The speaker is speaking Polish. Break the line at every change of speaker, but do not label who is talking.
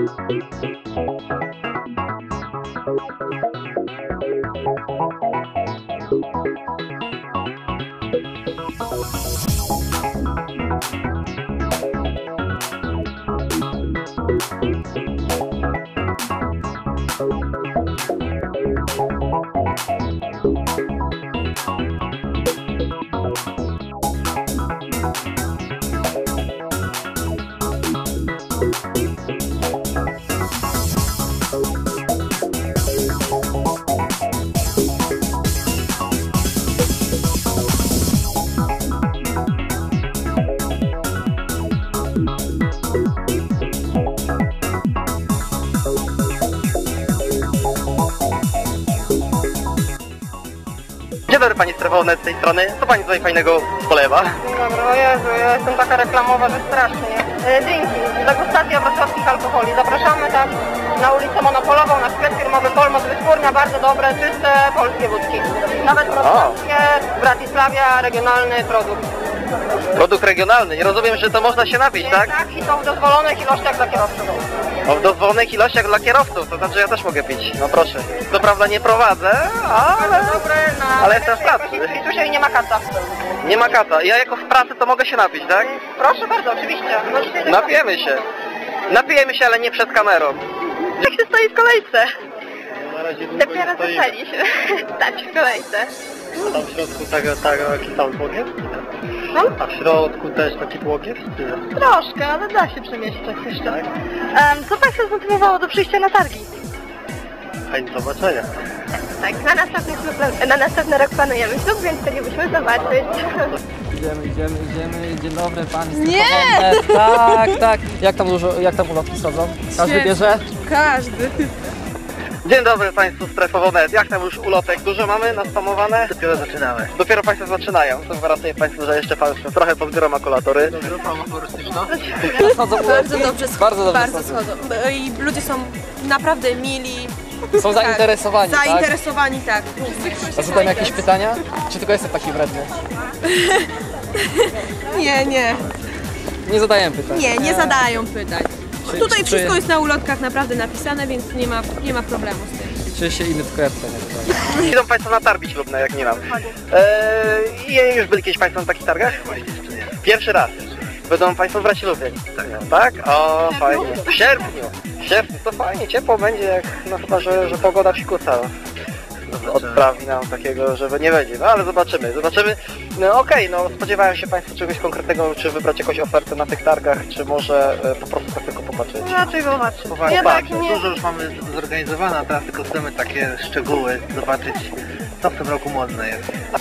Dzień dobry Pani Strefowe z tej strony, co Pani tutaj fajnego polewa?
Dzień dobry, o Jezu, ja jestem taka reklamowa, że strasznie. Drinki, degustacja wrocławskich alkoholi. Zapraszamy tak na ulicę Monopolową, na sklep firmowy Polmos, wytwórnia, bardzo dobre, czyste polskie wódki. Nawet wrocławskie, Bratysławia, regionalny produkt.
Produkt regionalny, nie rozumiem, że to można się napić, tak?
Tak, i są w dozwolonych ilościach dla kierowców.
O, w dozwolonych ilościach dla kierowców, to znaczy ja też mogę pić, no proszę. Co prawda nie prowadzę, ale jestem w pracy.
I tu się nie ma kata.
Nie ma kata, ja jako w pracy to mogę się napić, tak?
Proszę bardzo, oczywiście.
Napijemy się. Napijemy się, ale nie przed kamerą.
Jak się stoi w kolejce?
Na razie
Dopiero zaczęli się stać w kolejce.
Tam w środku taki tam błogiew?
No?
A w środku też taki błogiew?
Troszkę, ale da się przemieszczać jeszcze.
Tak?
Co Państwa zmotywowało do przyjścia na targi?
Fajnie zobaczenia.
Tak, na następny rok planujemy ślub, więc chcielibyśmy zobaczyć.
Idziemy. Dzień dobry, Pani
Nie!
Strefowe. Tak. Jak tam ulotki schodzą? Każdy
Świetnie.
bierze?
Każdy.
Dzień dobry Państwu Strefowo.net. Jak tam już ulotek? Dużo mamy naspamowane? Dopiero zaczynamy. Dopiero Państwo zaczynają. To gwarantuję Państwu, że jeszcze Państwo trochę pozbiorą makulatury.
Grupa humorystyczna?
Bardzo dobrze schodzą.
Bardzo schodzą.
I ludzie są naprawdę mili.
Są zainteresowani, tak?
Zainteresowani, tak.
A zadam jakieś pytania? Czy tylko jestem taki wredny?
Nie.
Nie zadaję pytań.
Nie zadają pytań. Tutaj
czy-
wszystko jest na ulotkach naprawdę napisane, więc nie ma problemu z tym.
Czuję się inny w kredce, nie tutaj.
Idą Państwo na targi ślubne, jak nie mam. Już byli kiedyś Państwo na takich targach? Pierwszy raz. Będą Państwo brać ślubie. Tak? O, fajnie. W sierpniu to fajnie, ciepło będzie, jak, no chyba, że pogoda psikusa odprawi nam takiego, żeby nie będzie. No ale zobaczymy. No okej, no spodziewałem się Państwo czegoś konkretnego, czy wybrać jakąś ofertę na tych targach, czy może po prostu tak tylko popatrzeć.
Raczej zobaczyć.
Jednak
nie.
Dużo już mamy zorganizowane, a teraz tylko chcemy takie szczegóły zobaczyć, co w tym roku modne jest.